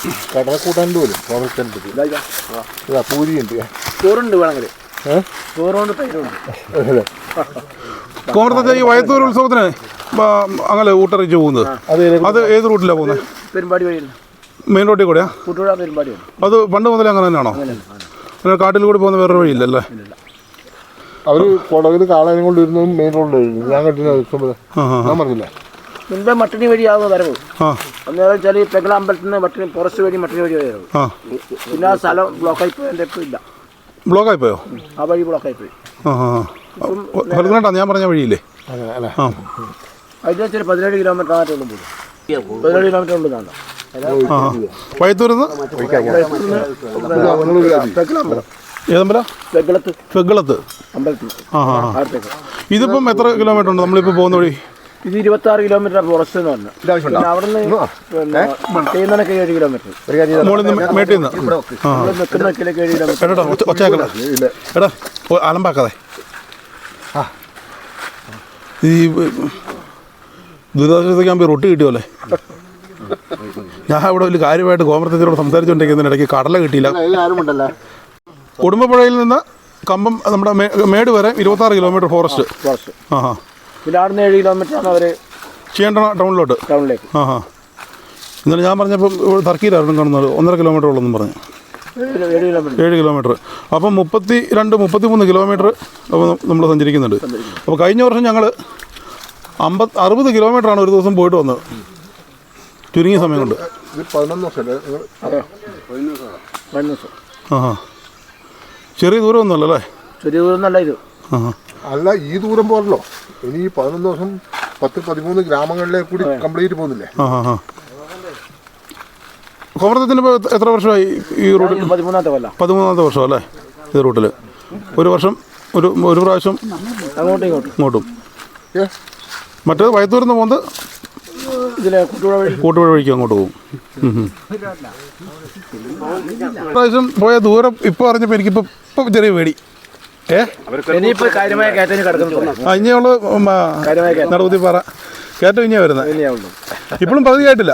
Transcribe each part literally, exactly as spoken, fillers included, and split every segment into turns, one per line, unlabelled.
കടലക്കൂട്ടാൻ്റെ പോലും പൂരിയുണ്ട്,
ചോറുണ്ട് വേണമെങ്കിൽ ചോറുകൊണ്ട് തൈരുണ്ട്.
കോമരത്തെ ഈ വയത്തൂർ ഉത്സവത്തിന് അങ്ങനെ ഊട്ടറിച്ച് പോകുന്നത് അത് ഏത് റൂട്ടിലാണ് പോകുന്നത്?
പെരുമ്പാടി വഴിയാണ്,
മെയിൻ റോഡിൽ കൂടെയാ?
കൂട്ടുപുഴ പെരുമ്പാടി.
അത് പണ്ട് മുതലേ അങ്ങനെ തന്നെയാണോ? അങ്ങനെ കാട്ടിൽ കൂടി പോകുന്ന വേറൊരു വഴിയില്ലല്ലേ?
അവർ കുടകിൽ കാളാനും കൊണ്ടിരുന്നതും മെയിൻ റോഡിലായിരുന്നു. ഞാൻ കണ്ടിരുന്ന ഞാൻ പറഞ്ഞില്ല,
മുൻപേ മട്ടണി വഴിയാകുന്ന വരവ്. അന്നേരം വെച്ചാൽ ഈ പെങ്ങള അമ്പലത്തിൽ നിന്ന് മട്ടണി ഫോറസ്റ്റ് വഴി മട്ടണി വഴി വരവ്. പിന്നെ ആ സ്ഥലം ബ്ലോക്കായി പോയതിൻ്റെ ഇപ്പം ഇല്ല.
ബ്ലോക്കായി പോയോ?
ആ വഴി ബ്ലോക്കായി പോയി.
ഞാൻ പറഞ്ഞ വഴിയില്ലേ?
അതിന് വെച്ചാൽ പതിനേഴ് കിലോമീറ്റർ ആയിട്ട് ഉള്ളു പോകും. പതിനേഴ് കിലോമീറ്റർ ഉള്ളതാണ്
വയത്തൂരിന്ന് ഫെഗ്കളത്ത്. ഇതിപ്പം എത്ര കിലോമീറ്റർ ഉണ്ട് നമ്മളിപ്പോൾ പോകുന്ന വഴി?
ഇത് ഇരുപത്തി ആറ് കിലോമീറ്റർ ഫോറസ്റ്റ് എന്ന് പറഞ്ഞു. പിന്നെ അവിടെ നിന്ന് ചെയ്യുന്നതിനൊക്കെ ഏഴ് കിലോമീറ്റർ.
മേട്ടിൽ നിന്ന്
നിൽക്കുന്നൊക്കെ ഏഴ് കിലോമീറ്റർ.
ഒച്ചയാക്കടാ എടാ, അലമ്പാക്കാതെ. ഈ ദുരിതാശ്വാസ റൊട്ടി കിട്ടിയോല്ലേ? ഞാൻ ഇവിടെ വലിയ കാര്യമായിട്ട് കോമരത്തിനോട് സംസാരിച്ചുകൊണ്ടിരിക്കുന്നതിനിടയ്ക്ക് കടല കിട്ടിയില്ല. കുടുംബപ്പുഴയിൽ നിന്ന് കമ്പം നമ്മുടെ മേട് വരെ ഇരുപത്തി ആറ് കിലോമീറ്റർ ഫോറസ്റ്റ്. ആ ഹാ.
പിന്നെ അവിടെ നിന്ന് ഏഴ് കിലോമീറ്റർ ആണ് അവർ
ചെയ്യേണ്ട ടൗണിലോട്ട്.
ടൗണിലേക്ക്.
ആ ഹാ. എന്നാലും ഞാൻ പറഞ്ഞപ്പോൾ ഇവിടെ തർക്കിയിലായിരുന്നു കാണുന്നത് ഒന്നര കിലോമീറ്റർ ഉള്ളതെന്ന് പറഞ്ഞു. ഏഴ് കിലോമീറ്റർ. അപ്പം മുപ്പത്തി രണ്ട് മുപ്പത്തി മൂന്ന് കിലോമീറ്റർ അപ്പോൾ നമ്മൾ സഞ്ചരിക്കുന്നുണ്ട്. അപ്പോൾ കഴിഞ്ഞ വർഷം ഞങ്ങൾ അമ്പത് അറുപത് കിലോമീറ്ററാണ് ഒരു ദിവസം പോയിട്ട് വന്നത്, ചുരുങ്ങിയ സമയം കൊണ്ട്. ആ ചെറിയ ദൂരം ഒന്നുമല്ലേ? ചെറിയ ദൂരം ഒന്നല്ല ഇത്.
അല്ല, ഈ ദൂരം പോലല്ലോ. ഇനി ഈ പതിനൊന്ന് ദിവസം പത്ത് പതിമൂന്ന് ഗ്രാമങ്ങളിലേക്ക് കൂടി കംപ്ലീറ്റ് പോകുന്നില്ലേ?
ആ ആ കോമരത്തിന് ഇപ്പോൾ എത്ര വർഷമായി ഈ റൂട്ടിൽ?
പതിമൂന്നാമത്തെ കൊല്ലം.
പതിമൂന്നാമത്തെ വർഷം അല്ലേ ഈ റൂട്ടിൽ? ഒരു വർഷം ഒരു ഒരു പ്രാവശ്യം
അങ്ങോട്ടും ഇങ്ങോട്ടും
ഇങ്ങോട്ടും. മറ്റേത് വയത്തൂരിൽ നിന്ന് പോകുന്നത് കൂട്ടുപുഴ വഴിക്ക് അങ്ങോട്ട് പോകും. പ്രാവശ്യം പോയ ദൂരം ഇപ്പോൾ അറിഞ്ഞപ്പോൾ എനിക്കിപ്പോൾ ഇപ്പം ചെറിയ പേടി. ഏ ഇനിയുള്ള നടുകുത്തി പാറ കയറ്റം ഇനിയാണ് വരുന്നത്. ഇപ്പോഴും പകുതി ആയിട്ടില്ല.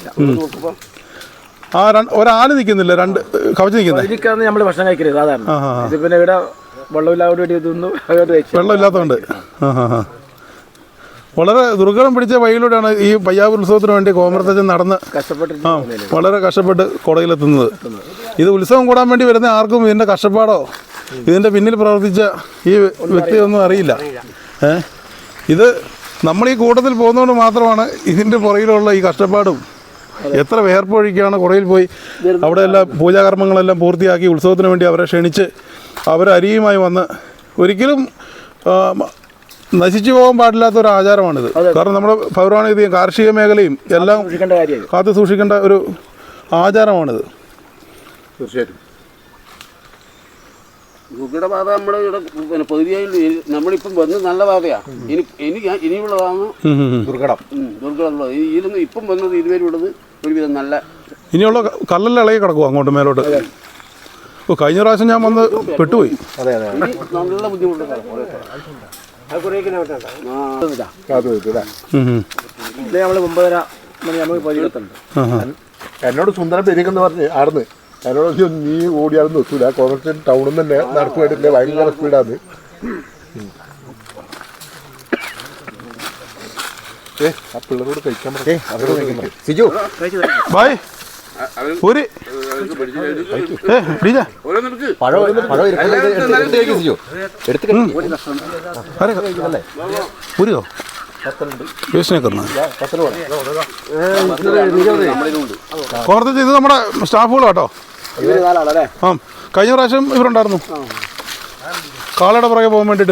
ആ ഒരാല് നിൽക്കുന്നില്ല, രണ്ട് കവച്ച് നിൽക്കുന്നത്.
നമ്മൾ ഭക്ഷണം കഴിക്കരുത് സാധാരണ. പിന്നെ ഇവിടെ
വെള്ളമില്ലാത്തതുകൊണ്ട് ആ ഹാ ഹാ. വളരെ ദുർഘടം പിടിച്ച വഴിയിലൂടെയാണ് ഈ പയ്യാവൂർ ഉത്സവത്തിന് വേണ്ടി കോമരത്തച്ഛൻ നടന്ന് കഷ്ടപ്പെട്ട് ആ വളരെ കഷ്ടപ്പെട്ട് കുടയിലെത്തുന്നത്. ഇത് ഉത്സവം കൂടാൻ വേണ്ടി വരുന്ന ആർക്കും ഇതിൻ്റെ കഷ്ടപ്പാടോ ഇതിൻ്റെ പിന്നിൽ പ്രവർത്തിച്ച ഈ വ്യക്തിയൊന്നും അറിയില്ല. ഏ ഇത് നമ്മൾ ഈ കൂട്ടത്തിൽ പോകുന്നതുകൊണ്ട് മാത്രമാണ് ഇതിൻ്റെ പുറകിലുള്ള ഈ കഷ്ടപ്പാടും. എത്ര വേർപ്പൊഴിക്കാണ് കുറയിൽ പോയി അവിടെ എല്ലാം പൂജാകർമ്മങ്ങളെല്ലാം പൂർത്തിയാക്കി ഉത്സവത്തിന് വേണ്ടി അവരെ ക്ഷണിച്ച് അവരരിയുമായി വന്ന് ഒരിക്കലും നശിച്ചു പോകാൻ പാടില്ലാത്ത ഒരു ആചാരമാണിത്. കാരണം നമ്മുടെ പൗരാണികതയും കാർഷിക മേഖലയും എല്ലാം കാത്തു സൂക്ഷിക്കേണ്ട ഒരു ആചാരമാണിത്.
തീർച്ചയായിട്ടും
ഗുഗടപാത നമ്മൾ ഇവിടെ പിന്നെ പകുതിയായി നമ്മളിപ്പം വന്ന് നല്ല പാതയാണ്. ഇനി ഇനി ഇനിയുള്ളതാണ്
ദുർഘടം
ദുർഘടമുള്ളത്. ഇതിലൊന്നും ഇപ്പം വന്നത് ഇതുവരെയുള്ളത് ഒരുവിധം നല്ല
ഇനിയുള്ള കല്ലെല്ലാം ഇളകി കിടക്കും അങ്ങോട്ട് മേലോട്ട്. ഓ കഴിഞ്ഞ പ്രാവശ്യം ഞാൻ വന്ന് പെട്ടുപോയി.
നല്ല ബുദ്ധിമുട്ടുണ്ട്.
ഒമ്പതര മണി നമുക്ക് പരിചയത്തുണ്ട്.
എന്നോട് സുന്ദരം പെരുക്കെന്ന് പറഞ്ഞ് ആടുന്ന് എന്നോട് നീ ഓടിയാണെന്ന് വെച്ചില്ല. കോമരത്തിൽ ടൗണിൽ തന്നെ നടക്കുമായിട്ടില്ലേ, ഭയങ്കര സ്പീഡാണ്. ഏ ആ പിള്ളേരോട് കഴിക്കാൻ പറഞ്ഞു. സിജു
ബായ് ഒരു പുരിയോ കോർത്ത് ഇത് നമ്മുടെ സ്റ്റാഫുകളാട്ടോ. ആ കഴിഞ്ഞ പ്രാവശ്യം ഇവരുണ്ടായിരുന്നു കാളയുടെ പുറകെ പോകാൻ വേണ്ടിയിട്ട്.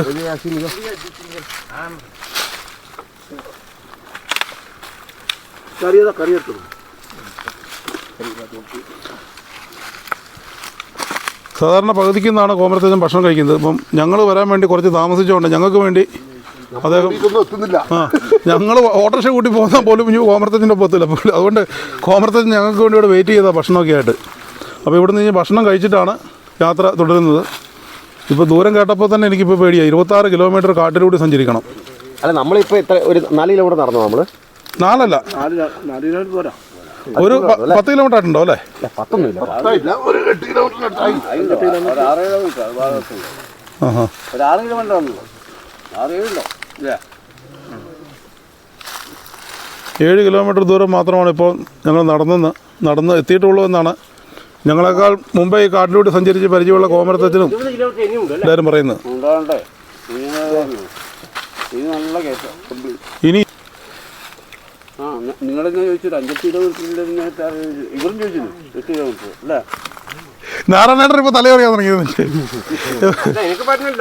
സാധാരണ പകുതിക്ക് നിന്നാണ് കോമരത്തച്ഛൻ ഭക്ഷണം കഴിക്കുന്നത്. ഇപ്പം ഞങ്ങൾ വരാൻ വേണ്ടി കുറച്ച് താമസിച്ചുകൊണ്ട് ഞങ്ങൾക്ക് വേണ്ടി അദ്ദേഹം ആ ഞങ്ങൾ ഓട്ടോറിക്ഷ കൂട്ടി പോകുന്ന പോലും ഇനി കോമരത്തച്ഛൻ്റെ ഒപ്പം എത്തില്ല. അതുകൊണ്ട് കോമരത്തച്ഛൻ ഞങ്ങൾക്ക് വേണ്ടി ഇവിടെ വെയിറ്റ് ചെയ്ത ഭക്ഷണമൊക്കെ ആയിട്ട്. അപ്പോൾ ഇവിടെ നിന്ന് ഭക്ഷണം കഴിച്ചിട്ടാണ് യാത്ര തുടരുന്നത്. ഇപ്പോൾ ദൂരം കേട്ടപ്പോൾ തന്നെ എനിക്കിപ്പോൾ പേടിയായി. ഇരുപത്താറ് കിലോമീറ്റർ കാട്ടിലൂടെ സഞ്ചരിക്കണം.
അല്ല നമ്മളിപ്പോൾ എത്ര ഒരു നാല് കിലോമീറ്റർ നടന്നു നമ്മൾ?
നാലല്ല ഒരു പ- പത്ത് കിലോമീറ്റർ ആയിട്ടുണ്ടോ അല്ലേ?
പത്തൊന്നുമില്ല
പത്തായില്ല, ഒരു എട്ട് കിലോമീറ്ററിനടുത്തായി.
ഒരു ആറ് കിലോമീറ്റർ അത് ഭാഗത്തുണ്ട്.
ആഹാ.
ഒരു ആറ് കിലോമീറ്റർ ആണല്ലോ, ആറ് ഏഴുണ്ടോ ഇല്ല.
ഏഴ് കിലോമീറ്റർ ദൂരം മാത്രമാണ് ഇപ്പോൾ ഞങ്ങൾ നടന്നെന്ന് നടന്ന് എത്തിയിട്ടുള്ളൂ എന്നാണ് ഞങ്ങളെക്കാൾ മുമ്പേ ഈ കാട്ടിലൂടെ സഞ്ചരിച്ച് പരിചയമുള്ള കോമരത്തച്ഛനും എല്ലാവരും പറയുന്നത്.
ഉണ്ടാകണ്ടേ ഇത് നല്ല കേസാണ്.
ഇനി
ആ നിങ്ങളെന്നെ ചോദിച്ചിട്ട് അഞ്ചെട്ട് കിലോമീറ്ററിൻ്റെ ഇവരും ചോദിച്ചിരുന്നു എട്ട് കിലോമീറ്റർ അല്ലേ?
നാരായണേട്ടൻ ഇപ്പോൾ തലയറിയാൻ തുടങ്ങിയത്
എനിക്ക് പറ്റുന്നില്ല.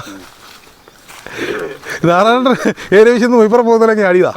നാരായണേട്ടൻ ഏരിയ വിശന്ന് ഇപ്പുറം പോകുന്നില്ലെങ്കിൽ അടിയതാ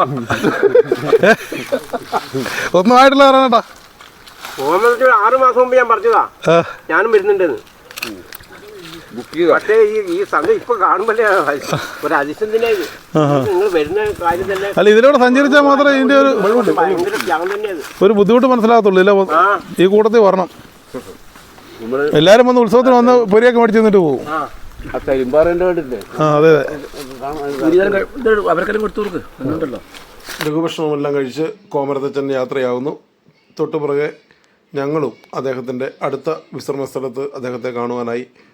ഒന്നും ആയിട്ടില്ല നാരായണേട്ടാ.
ആറ് മാസം മുമ്പ് ഞാൻ പറഞ്ഞതാ ഞാനും വരുന്നുണ്ടെന്ന്. പക്ഷേ ഈ ഈ സംഘം ഇപ്പൊ കാണുമ്പോഴേ ഒരു അതിശയത്തിനായത് നിങ്ങൾ വരുന്ന കാര്യം തന്നെ.
അല്ല ഇതിലൂടെ സഞ്ചരിച്ചാൽ മാത്രമേ ഇതിൻ്റെ ഒരു
ഭയങ്കര ത്യാഗം തന്നെയത്.
ഒരു ബുദ്ധിമുട്ട് മനസ്സിലാകത്തുള്ളൂ. ഇല്ല ഈ കൂട്ടത്തിൽ വരണം. എല്ലാവരും വന്ന് ഉത്സവത്തിന് വന്ന് പൊരിയൊക്കെ മേടിച്ച് തന്നിട്ട് പോകും.
ആ കരിമ്പാറേൻ്റെ വേണ്ടില്ലേ?
ആ അതെ അതെ.
അവർക്കെല്ലാം കൊടുത്തു കൊടുക്ക് ഉണ്ടല്ലോ.
ലഘുഭക്ഷണമെല്ലാം കഴിച്ച് കോമരത്തച്ഛൻ യാത്രയാകുന്നു. തൊട്ടുപുറകെ ഞങ്ങളും അദ്ദേഹത്തിൻ്റെ അടുത്ത വിശ്രമ സ്ഥലത്ത് അദ്ദേഹത്തെ കാണുവാനായി